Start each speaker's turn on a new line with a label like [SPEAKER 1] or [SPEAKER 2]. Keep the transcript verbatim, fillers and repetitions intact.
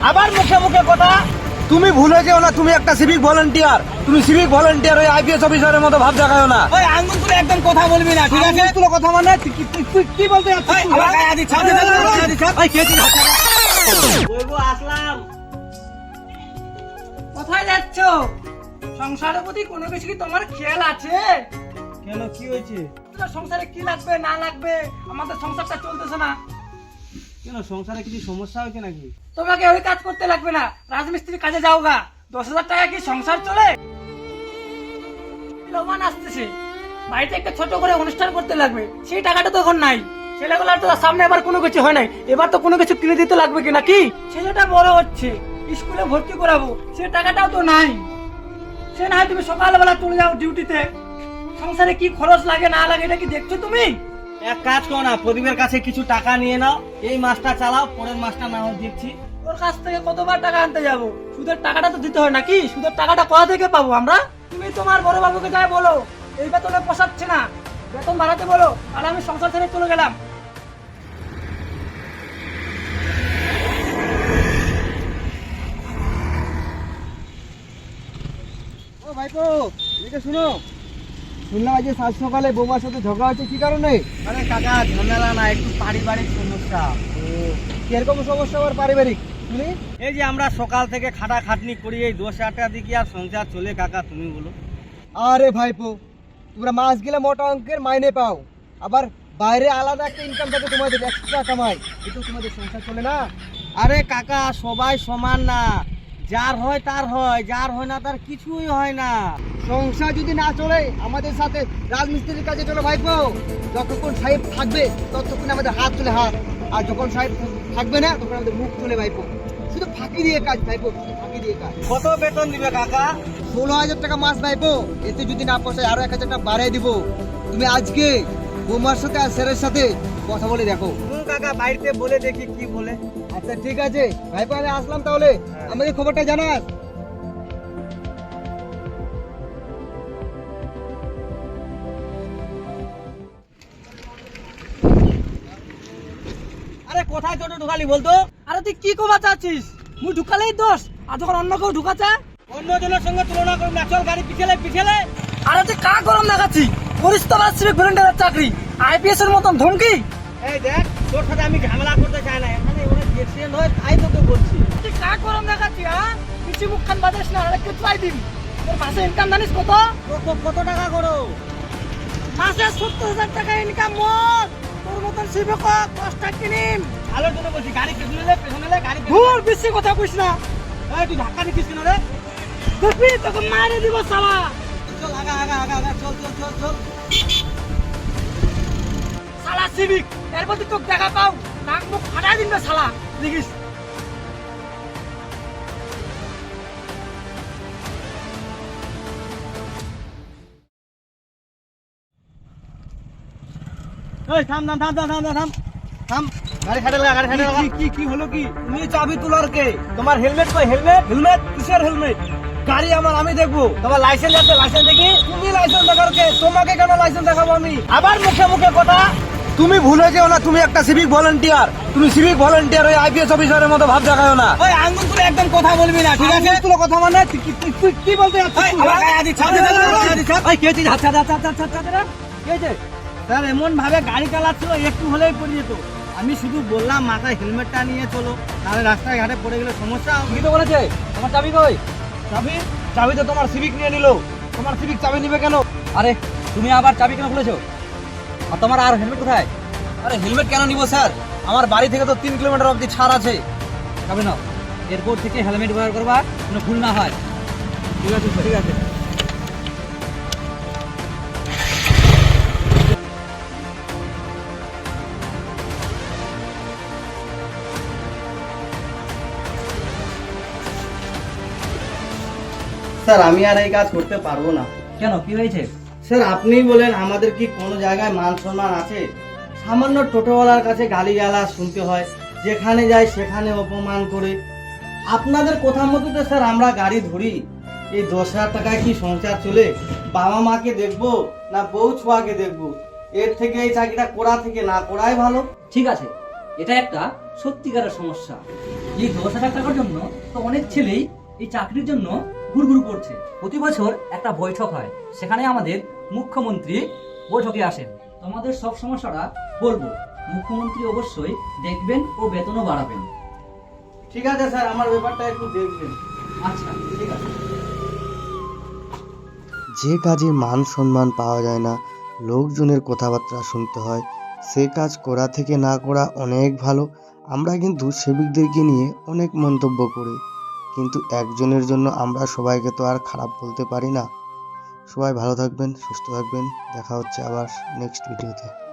[SPEAKER 1] আবার মুখে মুখে কথা। তুমি ভুলে যেও না তুমি একটা সিভিক ভলান্টিয়ার। তুমি সিভিক ভলান্টিয়ার ওই আইপিএস অফিসারের মতো ভাব দেখাও না।
[SPEAKER 2] ওই আঙ্গুল তুলে একদম কথা বলবি না, ঠিক আছে?
[SPEAKER 1] তুলো কথা মানে তুই কি- তুই- তুই কি বলতে যাচ্ছিস
[SPEAKER 2] এই,
[SPEAKER 1] তুই,
[SPEAKER 2] আমার
[SPEAKER 1] হ্যাঁ?
[SPEAKER 2] গায়ে হাত দিচ্ছ,
[SPEAKER 1] আরে, আরে, আরে,
[SPEAKER 2] গায়ে হাত দিচ্ছ।
[SPEAKER 1] এই, কে তুই?
[SPEAKER 2] বলবো আসলাম।
[SPEAKER 3] কোথায় যাচ্ছ? সংসারের প্রতি কোনো কিছু কি তোমার খেয়াল আছে?
[SPEAKER 1] কেন কি হয়েছে?
[SPEAKER 3] তোমার সংসারে কি লাগবে না লাগবে, আমাদের সংসারটা চলতেছে না।
[SPEAKER 1] কেন সংসারে কিছু সমস্যা হয়েছে নাকি?
[SPEAKER 3] তোমাকে ওই কাজ করতে লাগবে না, রাজমিস্ত্রি কাজে যাও গা। দশ হাজার টাকা কি সংসার চলে? লোমান আসতেছে, বাড়িতে একটা ছোট করে অনুষ্ঠান করতে লাগবে, সেই টাকাটা তো এখন নাই। ছেলেগুলার তো সামনে এবার কোনো কিছু হয় নাই, এবার তো কোনো কিছু কিনে দিতে লাগবে কি নাকি? ছেলেটা বড় হচ্ছে, স্কুলে ভর্তি করাবো, সে টাকাটাও তো নাই। সে না হয় তুমি সকালবেলা চলে যাও ডিউটিতে, সংসারে কি খরচ লাগে না লাগে এটা কি দেখছো তুমি?
[SPEAKER 2] এক কাজ করো না, প্রদীপের কাছে কিছু টাকা নিয়ে নাও, এই মাসটা চালাও, পরের মাসটা না হয় দেখছি।
[SPEAKER 3] ওর কাছ থেকে কতবার টাকা আনতে যাবো? সুদের টাকাটা তো দিতে হয় নাকি? সুদের টাকাটা কোথা থেকে পাবো আমরা? তুমি তোমার বড় বাবুকে যাই বলো, এই বেতনে পোষাচ্ছে না, বেতন বাড়াতে বলো, আর আমি সংসার ছেড়ে চলে গেলাম।
[SPEAKER 1] ও ভাইপো, এদিকে শুনো। শুনলাম আজ সাত সকালে বৌমার সাথে ঝগড়া হচ্ছে, কি কারণে?
[SPEAKER 2] আরে কাকা, ঝামেলা না, একটু পারিবারিক সমস্যা।
[SPEAKER 1] কিরকম সমস্যা আবার পারিবারিক? শুনি।
[SPEAKER 2] এই যে আমরা সকাল থেকে খাটা খাটনি করি, এই দশ হাজার টাকা দিয়ে কি আর সংসার চলে কাকা, তুমি বলো?
[SPEAKER 1] আরে ভাইপো, তোমরা মাস গেলে মোটা অঙ্কের মাইনে পাও, আবার বাইরে আলাদা একটা ইনকাম থাকে তোমাদের, এক্সট্রা কামাই, কিন্তু তোমাদের সংসার চলে না।
[SPEAKER 2] আরে কাকা, সবাই সমান না, যার হয় তার হয়, যার হয় না তার কিছুই হয় না।
[SPEAKER 1] সংসার যদি না চলে আমাদের সাথে রাজমিস্ত্রির কাছে চলো ভাইপো। যতক্ষণ সাহেব থাকবে ততক্ষণ আমাদের হাত চলে হাত, আর যখন সাহেব থাকবে না তখন আমাদের মুখ চলে ভাইপো। শুধু ফাঁকি দিয়ে কাজ ভাইপো, শুধু ফাঁকি দিয়ে কাজ।
[SPEAKER 2] কত বেতন দিবে কাকা?
[SPEAKER 1] ষোলো হাজার টাকা মাস ভাইপো, এতে যদি না পোষায় আরো এক হাজার টাকা বাড়াই দিব। তুমি আজকে বৌমার সাথে আর স্যারের সাথে কথা বলে দেখো।
[SPEAKER 2] হুম কাকা, বাড়িতে বলে দেখি কি বলে।
[SPEAKER 1] আচ্ছা ঠিক আছে ভাইপো, আমি আসলাম তাহলে, আমাকে খবরটা জানাস।
[SPEAKER 2] আরে কোথায় ছোট ঢুকালি বলতো?
[SPEAKER 3] আরে তুই কি কমা চাচ্ছিস? মুই ঢুকালেই দোষ, আর যখন অন্য কেউ ঢুকাচ্ছে?
[SPEAKER 2] অন্য জনের সঙ্গে তুলনা করবি না, চল গাড়ি পিছলে পিছলে।
[SPEAKER 3] আরে তুই কা গরম দেখাচ্ছি? করিস তো আমার সিভিক ভলেন্টিয়ারের চাকরি, আইপিএস এর মতন ধমকি।
[SPEAKER 2] এই দেখ, তোর সাথে আমি ঝামেলা করতে চাই না, এখানে ওরা অ্যাক্সিডেন্ট হয় তাই তোকে বলছি।
[SPEAKER 3] তুই কা গরম দেখাচ্ছি? হ্যাঁ, কিছু মুখখান বাজাস না, আরে কেউ চাই দিবি। তোর মাসে ইনকাম জানিস কত?
[SPEAKER 2] কত কত টাকা করো?
[SPEAKER 3] মাসে সত্তর হাজার টাকা ইনকাম মোট। তোর মতন সিভিক কষ্ট কিনিম।
[SPEAKER 2] আলোর জন্য বলছি, গাড়ি পেছনে লে, পেছনে লে, গাড়ি পেছনে
[SPEAKER 3] ভুল বেশি কথা কইস না।
[SPEAKER 2] লে। এই তুই ধাক্কা দিচ্ছিস কেন রে?
[SPEAKER 3] দেখবি তোকে মারে দিব শালা।
[SPEAKER 2] চল আগা আগা আগা আগা, চল চল চল চল।
[SPEAKER 3] শালা সিভিক, এর প্রতি তোকে দেখা পাও নাক মুখ ফাটাই দিন শালা, দেখিস।
[SPEAKER 2] এই থাম থাম থাম থাম থাম থাম থাম, গাড়ি খাটে লাগা, গাড়ি খাটে লাগা।
[SPEAKER 1] কি কি হলো কি? তুমি চাবি তোলার কে? তোমার হেলমেট কই? হেলমেট হেলমেট কিসের হেলমেট? গাড়ি আমার, আমি দেখবো।
[SPEAKER 2] তোমার লাইসেন্স আছে, লাইসেন্স দেখি।
[SPEAKER 1] তুমি লাইসেন্স দেখার কে? তোমাকে কেন লাইসেন্স দেখাবো আমি? আবার মুখে মুখে কথা। তুমি ভুলে যেও না তুমি একটা সিভিক ভলান্টিয়ার। তুমি সিভিক ভলান্টিয়ার ওই আইপিএস অফিসারের মতো ভাব দেখাও না।
[SPEAKER 2] ওই আঙ্গুল তুলে একদম কথা বলবি না, ঠিক আছে?
[SPEAKER 1] তুলো কথা মানে তুই কি- তুই- তুই কি বলতে যাচ্ছিস
[SPEAKER 2] এই,
[SPEAKER 1] তুই,
[SPEAKER 2] আমার
[SPEAKER 1] হ্যাঁ?
[SPEAKER 2] গায়ে হাত দিচ্ছ,
[SPEAKER 1] আরে, আরে, আরে,
[SPEAKER 2] গায়ে হাত দিচ্ছ।
[SPEAKER 1] এই, কে তুই? আচ্ছা আচ্ছা আচ্ছা আচ্ছা আচ্ছা, কি হয়েছে?
[SPEAKER 2] স্যার এমন ভাবে গাড়ি চালাচ্ছিল, একটু হলেই পড়ে যেত। আমি শুধু বললাম মাথায় হেলমেটটা নিয়ে চলো, তাহলে রাস্তায় ঘাটে পড়ে গেলে সমস্যা হবে।
[SPEAKER 1] কি তো বলেছে? তোমার চাবি কই? চাবি? চাবি তো তোমার সিভিক নিয়ে নিলো। তোমার সিভিক চাবি নিবে কেন?
[SPEAKER 4] আরে তুমি আবার চাবি কেন খুলেছো? আর তোমার আর হেলমেট কোথায়?
[SPEAKER 1] আরে হেলমেট কেন নিবো স্যার? আমার বাড়ি থেকে তো তিন কিলোমিটার অবধি ছাড় আছে।
[SPEAKER 4] চাবি নাও, এরপর থেকে হেলমেট ব্যবহার করবা, কোনো ভুল না হয়।
[SPEAKER 1] ঠিক আছে ঠিক আছে।
[SPEAKER 2] স্যার আমি আর এই কাজ করতে পারবো না।
[SPEAKER 4] কেন, কি হয়েছে?
[SPEAKER 2] স্যার আপনি বলেন, আমাদের কি কোনো জায়গায় মান সম্মান আছে? সামান্য টোটোওয়ালার কাছে গালিগালাজ শুনতে হয়, যেখানে যাই সেখানে অপমান করে। আপনাদের কথা মতো তো স্যার আমরা গাড়ি ধরি। এই দশ হাজার টাকায় কি সংসার চলে? বাবা মাকে দেখবো না বউ ছোয়াকে দেখবো? এর থেকে এই চাকরিটা করা থেকে না করাই ভালো।
[SPEAKER 4] ঠিক আছে, এটা একটা সত্যিকারের সমস্যা। এই দশ হাজার টাকার জন্য তো অনেক ছেলেই এই চাকরির জন্য ঘুরঘুর করছে। প্রতি বছর একটা বৈঠক হয়, সেখানে আমাদের মুখ্যমন্ত্রী বৈঠকে আসেন। তোমাদের সব সমস্যাটা বলবো, মুখ্যমন্ত্রী অবশ্যই দেখবেন ও বেতনও বাড়াবেন।
[SPEAKER 2] ঠিক আছে স্যার, আমার ব্যাপারটা একটু দেখবেন।
[SPEAKER 4] আচ্ছা ঠিক আছে।
[SPEAKER 5] যে কাজে মান সম্মান পাওয়া যায় না, লোকজনের কথাবার্তা শুনতে হয়, সে কাজ করা থেকে না করা অনেক ভালো। আমরা কিন্তু সেবিকদেরকে নিয়ে অনেক মন্তব্য করি, কিন্তু একজনের জন্য আমরা সবাইকে তো আর খারাপ বলতে পারি না। সবাই ভালো থাকবেন, সুস্থ থাকবেন, দেখা হচ্ছে আবার নেক্সট ভিডিওতে।